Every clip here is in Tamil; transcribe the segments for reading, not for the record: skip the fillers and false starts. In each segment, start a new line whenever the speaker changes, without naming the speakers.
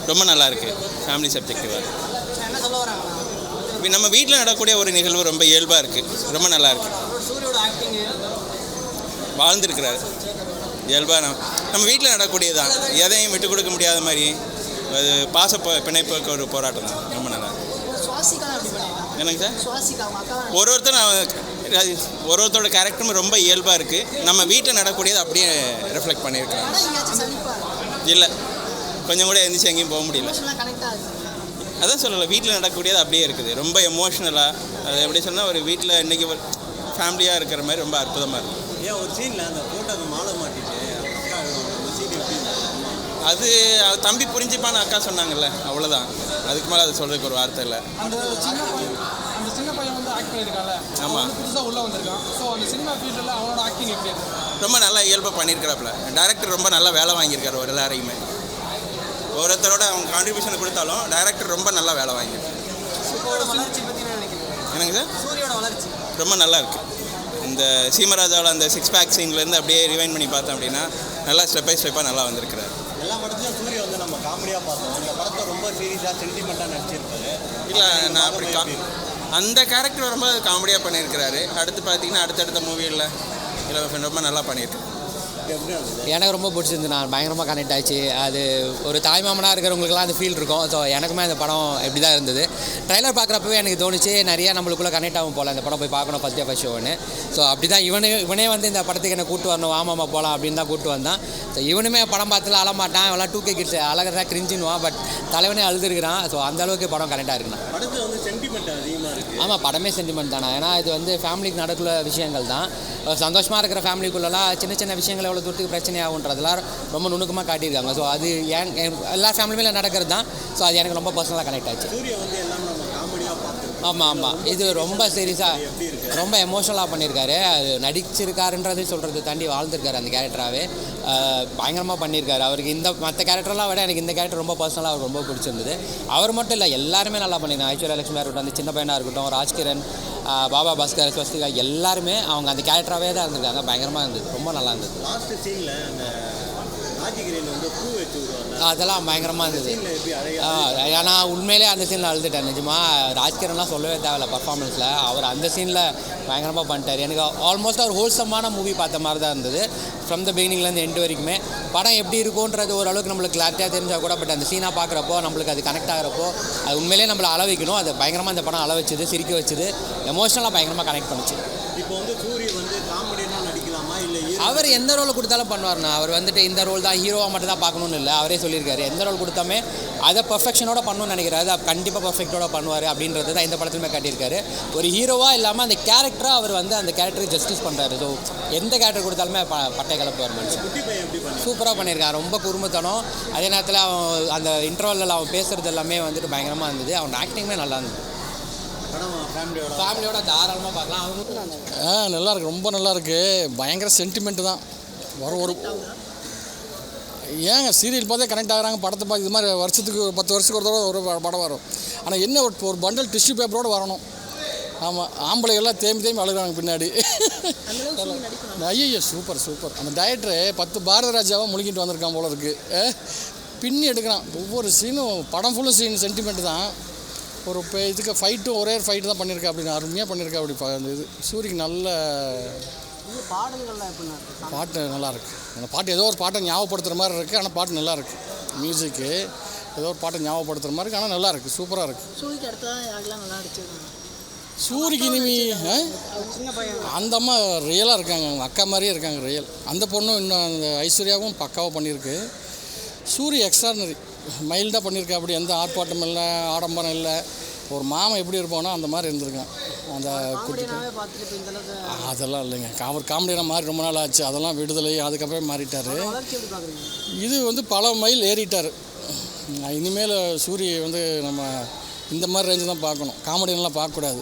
ரொம்ப நல்லாயிருக்கு. ஃபேமிலி சப்ஜெக்டிவாக
என்ன சொல்ல வராங்களா?
நம்ம வீட்டில் நடக்கக்கூடிய ஒரு நிகழ்வு ரொம்ப இயல்பாக இருக்குது. ரொம்ப நல்லாயிருக்கு.
சூரியோட ஆக்டிங்
வாழ்ந்துருக்கிறாரு இயல்பாக. நம்ம வீட்டில் நடக்கக்கூடியது தான், எதையும் விட்டு கொடுக்க முடியாத மாதிரி. அது பிணைப்புக்கு ஒரு போராட்டம் தான். ரொம்ப நல்லா என்னங்க சார், ஒருத்தரோட கேரக்டரும் ரொம்ப இயல்பாக இருக்குது. நம்ம வீட்டில் நடக்கக்கூடியது அப்படியே ரிஃப்ளெக்ட் பண்ணியிருக்காங்க. இல்லை, கொஞ்சம் கூட எந்திரிச்சு எங்கேயும் போக முடியல. அதான் சொல்லலை, வீட்டில் நடக்கக்கூடியது அப்படியே இருக்குது. ரொம்ப எமோஷ்னலாக, அது எப்படி சொன்னால் ஒரு வீட்டில் இன்றைக்கி ஒரு ஃபேமிலியாக இருக்கிற மாதிரி ரொம்ப அற்புதமாக இருக்குது.
ஏன் ஒரு சீனில் அந்த போட்டோ மாலை மாட்டிட்டு
அது தம்பி புரிஞ்சுப்பான்னு அக்கா சொன்னாங்கல்ல, அவ்வளோதான். அதுக்கு மேலே அது சொல்கிறதுக்கு ஒரு வார்த்தை இல்லை.
அந்த சின்ன பையன் வந்து ஆக்ட் பண்ணியிருக்காங்க.
ஆமாம்,
புதுசாக உள்ளே வந்திருக்கான். ஸோ அந்த சினிமா ஃபீல்டில் அவனோட ஆக்டிங் எப்படி இருக்கு?
ரொம்ப நல்லா இயல்பாக பண்ணியிருக்கிறாப்புல. டைரக்டர் ரொம்ப நல்லா வேலை வாங்கியிருக்காரு. ஒரு எல்லாரையுமே ஒருத்தரோட அவங்க கான்ட்ரிபியூஷன் கொடுத்தாலும் டைரக்டர் ரொம்ப நல்லா வேலை வாங்கியிருக்காரு. என்னங்க சார்,
சூரியோட வளர்ச்சி
ரொம்ப நல்லா இருக்குது. இந்த சீமராஜாவில் அந்த 6 பேக் சீன்லேருந்து அப்படியே ரிவைண்ட் பண்ணி பார்த்தோம் அப்படின்னா நல்லா ஸ்டெப் பை ஸ்டெப்பாக நல்லா வந்திருக்கிறார்.
எல்லா படத்துலையும் சூரிய வந்து நம்ம காமெடியாக பார்த்தோம். இந்த படத்தை ரொம்ப சீரியஸாக சென்டிமெண்ட்டாக நடிச்சிருப்பாரு.
இல்லை, நான் அப்படி அந்த கேரக்டர் ரொம்ப காமெடியாக பண்ணியிருக்கிறாரு. அடுத்து பார்த்தீங்கன்னா அடுத்தடுத்த மூவியில் ரொம்ப நல்லா பண்ணியிருக்கேன்.
எனக்கு ரொம்ப பிடிச்சிருந்து, நான் பயங்கரமாக கனெக்ட் ஆச்சு. அது ஒரு தாய்மாமனாக இருக்கிறவங்களுக்குலாம் அந்த ஃபீல் இருக்கும். ஸோ எனக்குமே அந்த படம் எப்படி தான் இருந்தது. ட்ரைலர் பார்க்குறப்பவே எனக்கு தோணுச்சு நிறையா நம்மளுக்குள்ளே கனெக்ட் ஆகும் போல், அந்த படம் போய் பார்க்கணும் ஃபஸ்ட் ஷோன்னு. ஸோ அப்படி தான் இவனே வந்து இந்த படத்துக்கு என்ன கூப்பிட்டு வரணும், ஆமாம்மா போகலாம் அப்படின்னு தான் கூப்பிட்டு வந்தான். ஸோ இவனுமே படம் பார்த்துல அழமாட்டான், எல்லாம் 2K கிட்ஸ் அழகிறதா கிரிஞ்சினுவான். பட் தலைவனே அழுதுருக்கிறான். ஸோ அந்தளவுக்கு படம் கனெக்டாக இருக்குண்ணா.
படத்தில் வந்து சென்டிமெண்ட் அதிகமாக இருக்குது.
ஆமாம், படமே சென்டிமெண்ட் தானே. ஏன்னா இது வந்து ஃபேமிலிக்கு நடக்கிற விஷயங்கள் தான். சந்தோஷமாக இருக்கிற ஃபேமிலிக்குள்ளெல்லாம் சின்ன சின்ன விஷயங்கள் எவ்வளோ தூரத்துக்கு பிரச்சனையாகுன்றதெல்லாம் ரொம்ப நுணுக்கமாக காட்டியிருக்காங்க. ஸோ அது எல்லா ஃபேமிலியுமே நடக்கிறது தான். ஸோ அது எனக்கு ரொம்ப பர்சனலாக கனெக்ட் ஆச்சு. ஆமாம், இது ரொம்ப சீரியஸாக ரொம்ப எமோஷனலாக பண்ணியிருக்காரு. அது நடிச்சிருக்காருன்றது சொல்கிறது தாண்டி வாழ்ந்துருக்காரு அந்த கேரக்டராகவே. பயங்கரமாக பண்ணியிருக்காரு. அவருக்கு இந்த மற்ற கேரக்டர்லாம் விட எனக்கு இந்த கேரக்டர் ரொம்ப பர்சனலாக அவருக்கு ரொம்ப பிடிச்சிருந்தது. அவர் மட்டும் இல்லை, எல்லாருமே நல்லா பண்ணியிருக்காங்க. ஐஸ்வர்யா லட்சுமியாக இருக்கட்டும், அந்த சின்ன பையனாக இருக்கட்டும், ராஜ்கிரண், பாபா பாஸ்கர், ஸ்வஸ்திகா, எல்லாருமே அவங்க அந்த கேரக்டராகவே தான் இருந்திருக்காங்க. பயங்கரமாக இருந்தது, ரொம்ப நல்லா இருந்தது.
லாஸ்ட் சீனில் அந்த ராஜகிரியில் வந்து பூ வச்சு
அதெல்லாம் பயங்கரமாக இருந்தது. ஏன்னா உண்மையிலே அந்த சீனில் அழுதுட்டேன் நிஜமாக. ராஜ்கிரன்லாம் சொல்லவே தேவையில்ல பர்ஃபார்மன்ஸில். அவர் அந்த சீனில் பயங்கரமாக பண்ணிட்டார். எனக்கு ஆல்மோஸ்ட் அவர் ஹோல்சமான மூவி பார்த்த மாதிரி தான் இருந்தது. ஃப்ரம் த பிகினிங்லேருந்து எண்டு வரைக்குமே படம் எப்படி இருக்குன்றது ஓரளவுக்கு நம்மளுக்கு கிளாரிட்டியாக தெரிஞ்சால் கூட, பட் அந்த சீனாக பார்க்குறப்போ நம்மளுக்கு அது கனெக்ட் ஆகிறப்போ அது உண்மையிலே நம்மளை அள வைக்கணும். அது பயங்கரமாக அந்த படம் அள வச்சுது, சிரிக்க வச்சுது, எமோஷனலாக பயங்கரமாக கனெக்ட் பண்ணிச்சு.
இப்போ வந்து சூரிய வந்து காமெடியாக நடிக்கலாமா இல்லை
அவர் எந்த ரோல் கொடுத்தாலும் பண்ணுவார்ண்ணா. அவர் வந்துட்டு இந்த ரோல் தான் ஹீரோவாக மட்டும் தான் பார்க்கணுன்னு இல்லை, அவரே சொல்லியிருக்காரு. எந்த ரோல் கொடுத்தாமே அதை பர்ஃபெக்ஷனோட பண்ணணும்னு நினைக்கிறாரு. அது கண்டிப்பாக பர்ஃபெக்டோட பண்ணுவார் அப்படின்றது தான் இந்த படத்துலையுமே காட்டியிருக்காரு. ஒரு ஹீரோவாக இல்லாமல் அந்த கேரக்டராக அவர் வந்து அந்த கேரக்டருக்கு ஜஸ்டிஸ் பண்ணுறாரு. ஸோ எந்த கேரக்டர் கொடுத்தாலுமே பட்டை கலப்புவார் மனுஷன். சூப்பராக பண்ணியிருக்கான். ரொம்ப குறும்புத்தனம். அதே நேரத்தில் அவன் அந்த இன்டர்வலில் அவன் பேசுகிறது எல்லாமே வந்துட்டு பயங்கரமாக இருந்தது. அவன் ஆக்டிங்குமே நல்லா இருந்தது. ஃபேமிலியோட தாராளமாக பார்க்கலாம். அவங்க
நல்லாயிருக்கு, ரொம்ப நல்லாயிருக்கு. பயங்கர சென்டிமெண்ட்டு தான். ஒரு ஏங்க சீரியல் பார்த்தே கனெக்ட் ஆகிறாங்க, படத்தை பார்த்து இது மாதிரி வருஷத்துக்கு 10 வருஷத்துக்கு ஒரு தடவை ஒரு படம் வரும். ஆனால் என்ன ஒரு பண்டல் டிஷ்யூ பேப்பரோடு வரணும். ஆமாம், ஆம்பளைகள்லாம் தேம்பி அழுகிறாங்க பின்னாடி. ஐயோ சூப்பர். அந்த டைரக்டரு 10 பாரத ராஜாவாக முழுங்கிட்டு வந்திருக்கான் போல இருக்குது. பின்னி எடுக்கிறான் ஒவ்வொரு சீனும். படம் ஃபுல்லும் சீன் சென்டிமெண்ட் தான். ஒரு இதுக்கு ஃபைட்டும் ஒரே ஃபைட்டு தான் பண்ணியிருக்கா அப்படின்னு அருமையாக பண்ணியிருக்கா. அப்படி அந்த இது சூரிக்கு நல்ல பாட்டு நல்லாயிருக்கு. அந்த பாட்டு ஏதோ ஒரு பாட்டை ஞாபகப்படுத்துகிற மாதிரி இருக்குது. ஆனால் பாட்டு நல்லாயிருக்கு. மியூசிக்கு ஏதோ ஒரு பாட்டை ஞாபகப்படுத்துகிற மாதிரி இருக்குது. ஆனால் நல்லாயிருக்கு, சூப்பராக இருக்குது. சூரிக்கு இனிமே அந்த அம்மா ரியலாக இருக்காங்க. அவங்க அக்கா மாதிரியே இருக்காங்க, ரியல். அந்த பொண்ணும் இன்னும் அந்த ஐஸ்வர்யாவும் பக்காவாக பண்ணியிருக்கு. சூரி எக்ஸ்ட்ரானரி மைல்டாக பண்ணியிருக்கா. அப்படி எந்த ஆர்ப்பாட்டம் இல்லை, ஆடம்பரம் இல்லை. ஒரு மாமன் எப்படி இருப்பானோ அந்த மாதிரி இருந்திருக்கான். அந்த குட்டி அதெல்லாம் இல்லைங்க. அவர் காமெடியான மாதிரி ரொம்ப நாள் ஆச்சு. அதெல்லாம் விடுதலை, அதுக்கப்புறம் மாறிட்டார். இது வந்து பல மைல் ஏறிட்டார். இனிமேல் சூரிய வந்து நம்ம இந்த மாதிரி ரேஞ்சு தான் பார்க்கணும். காமெடியெல்லாம் பார்க்கக்கூடாது.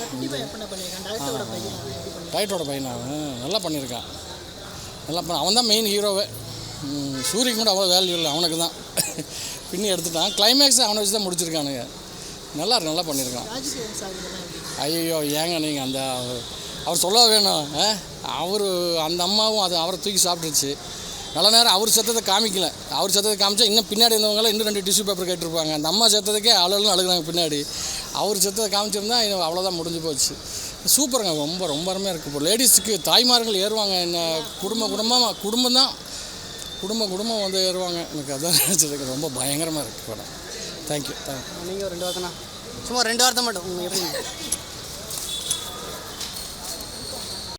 டைட்டோட பையனா நல்லா பண்ணியிருக்கான். நல்லா அவன் தான் மெயின் ஹீரோவே. சூரியக்கு கூட அவ்வளோ வேல்யூ இல்லை, அவனுக்கு தான் பின்னி எடுத்துட்டான். கிளைமேக்ஸை அவனை வச்சு தான் முடிச்சிருக்கானுங்க. நல்லா பண்ணியிருக்கான். ஐயோ ஏங்க நீங்கள் அந்த அவர் சொல்ல வேணும். அவர் அந்த அம்மாவும் அது அவரை தூக்கி சாப்பிட்டுருச்சு. நல்ல நேரம் அவர் செத்ததை காமிக்கல. அவர் செத்ததை காமிச்சா இன்னும் பின்னாடி இருந்தவங்களாம் இன்னும் 2 டிஷ்யூ பேப்பர் கேட்டிருப்பாங்க. அந்த அம்மா செத்ததுக்கே அழுன்னு அழுகுறாங்க பின்னாடி. அவர் செத்ததை காமிச்சிருந்தா அவ்வளோதான் முடிஞ்சு போச்சு. சூப்பருங்க. ரொம்ப அருமையாக இருக்குது. இப்போ லேடிஸுக்கு தாய்மார்கள் ஏறுவாங்க. என்ன குடும்பம் தான் குடும்பம் வந்து ஏறுவாங்க. எனக்கு அதான் நினச்சதுக்கு ரொம்ப பயங்கரமாக இருக்குது படம். தேங்க்யூ.
நீங்கள் ஒரு 2 வார்த்தைண்ணா, சும்மா 2 வார்த்தை மட்டும் எப்படி